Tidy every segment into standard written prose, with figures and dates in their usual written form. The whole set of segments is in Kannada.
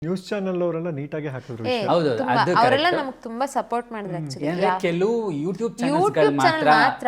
ನ್ಯೂಸ್ ಚಾನೆಲ್ ಅವರೆಲ್ಲ ನೀಟಾಗಿ ಹಾಕಿದ್ರು ಹೌದು, ಅದು ಅವರೆಲ್ಲ ನಮಗೆ ತುಂಬಾ ಸಪೋರ್ಟ್ ಮಾಡಿದ್ರು ಆಕ್ಚುಲಿ. ಏನಂದ್ರೆ ಕೆಲವು ಯೂಟ್ಯೂಬ್ ಯೂಟ್ಯೂಬ್ ಚಾನೆಲ್ಸ್ ಚಾನಲ್ ಮಾತ್ರ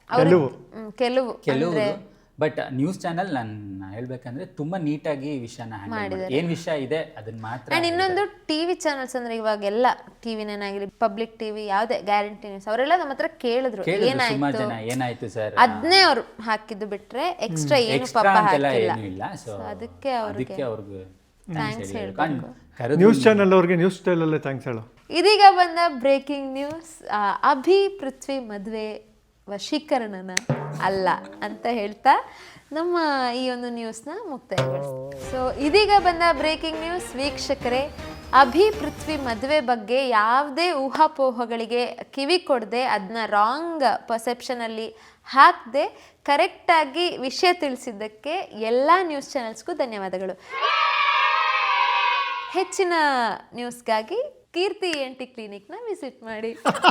ಕೆಲವು ಬಟ್ ನ್ಯೂಸ್ ಚಾನೆಲ್ ನಾನು ಹೇಳ್ಬೇಕಂದ್ರೆ ತುಂಬಾ ನೀಟಾಗಿ ವಿಷಯನ ಹ್ಯಾಂಡಲ್ ಮಾಡಿ ಏನ್ ವಿಷಯ ಇದೆ ಅದನ್ನ ಮಾತ್ರ. ಅಂಡ್ ಇನ್ನೊಂದು ಟಿವಿ ಚಾನಲ್ಸ್ ಅಂದ್ರೆ ಇವಾಗೆಲ್ಲ ಟಿವಿ ಏನಾಗಿರಿ ಪಬ್ಲಿಕ್ ಟಿವಿ ಯಾವ್ದೇ ಗ್ಯಾರಂಟಿ ನ್ಯೂಸ್ ಅವರೆಲ್ಲ ನಮ್ಮ ಹತ್ರ ಕೇಳಿದ್ರು ತುಂಬಾ ಜನ ಏನಾಯ್ತು ಸರ್ ಅದನ್ನೇ ಅವ್ರು ಹಾಕಿದ್ದು ಬಿಟ್ರೆ ಎಕ್ಸ್ಟ್ರಾ ಏನು ಪಾಪ ಹಾಕಿಲ್ಲ. ಏನೂ ಇಲ್ಲ. ಸೊ ಅದಕ್ಕೆ ಅವ್ರಿಗೆ ಥ್ಯಾಂಕ್ಸ್ ಹೇಳ್ಬೇಕು. ನ್ಯೂಸ್ ಚಾನೆಲ್ ಅವ್ರಿಗೆ ನ್ಯೂಸ್ ಸ್ಟೈಲ್ ಅಲ್ಲೇ ಥ್ಯಾಂಕ್ಸ್ ಹೇಳು. ಇದೀಗ ಬಂದ ಬ್ರೇಕಿಂಗ್ ನ್ಯೂಸ್, ಅಭಿ ಪೃಥ್ವಿ ಮದುವೆ ವಶೀಕರಣನ ಅಲ್ಲ ಅಂತ ಹೇಳ್ತಾ ನಮ್ಮ ಈ ಒಂದು ನ್ಯೂಸ್ನ ಮುಕ್ತಾಯಗೊಳಿಸ್ತೀವಿ. ಸೊ ಇದೀಗ ಬಂದ ಬ್ರೇಕಿಂಗ್ ನ್ಯೂಸ್ ವೀಕ್ಷಕರೇ, ಅಭಿ ಪೃಥ್ವಿ ಮದುವೆ ಬಗ್ಗೆ ಯಾವುದೇ ಊಹಾಪೋಹಗಳಿಗೆ ಕಿವಿ ಕೊಡದೆ ಅದನ್ನ ರಾಂಗ್ ಪರ್ಸೆಪ್ಷನಲ್ಲಿ ಹಾಕದೆ ಕರೆಕ್ಟಾಗಿ ವಿಷಯ ತಿಳಿಸಿದ್ದಕ್ಕೆ ಎಲ್ಲ ನ್ಯೂಸ್ ಚಾನೆಲ್ಸ್ಗೂ ಧನ್ಯವಾದಗಳು. ಹೆಚ್ಚಿನ ನ್ಯೂಸ್ಗಾಗಿ ಕೀರ್ತಿ ENT ಕ್ಲಿನಿಕ್ನ ವಿಸಿಟ್ ಮಾಡಿ.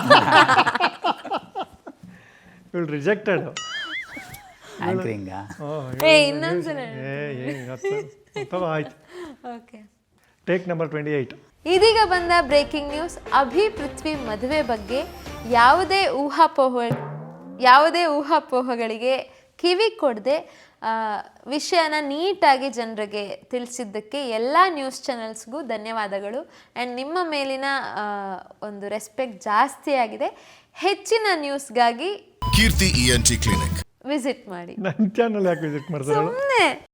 ರಿಜೆಕ್ಟೆಡ್ ಆಂಕರಿಂಗ್ ಇನ್ನೊಂದ್ಸಲ ಆಯ್ತು. Okay, take number 28. ಇದೀಗ ಬಂದ ಬ್ರೇಕಿಂಗ್ ನ್ಯೂಸ್, ಅಭಿ ಪೃಥ್ವಿ ಮದುವೆ ಬಗ್ಗೆ ಯಾವುದೇ ಊಹಾಪೋಹಗಳಿಗೆ ಕಿವಿ ಕೊಡದೆ ವಿಷಯನ ನೀಟಾಗಿ ಜನರಿಗೆ ತಿಳಿಸಿದ್ದಕ್ಕೆ ಎಲ್ಲ ನ್ಯೂಸ್ ಚಾನೆಲ್ಸ್ಗೂ ಧನ್ಯವಾದಗಳು. ಆ್ಯಂಡ್ ನಿಮ್ಮ ಮೇಲಿನ ಒಂದು ರೆಸ್ಪೆಕ್ಟ್ ಜಾಸ್ತಿ ಆಗಿದೆ. ಹೆಚ್ಚಿನ ನ್ಯೂಸ್ಗಾಗಿ ಕೀರ್ತಿ ENT ಕ್ಲಿನಿಕ್ ವಿಸಿಟ್ ಮಾಡಿ. ನನ್ನ ಚಾನಲ್ ಯಾಕೆ ವಿಸಿಟ್ ಮಾಡ್ತಾರೆ? ಸುಮ್ಮನೆ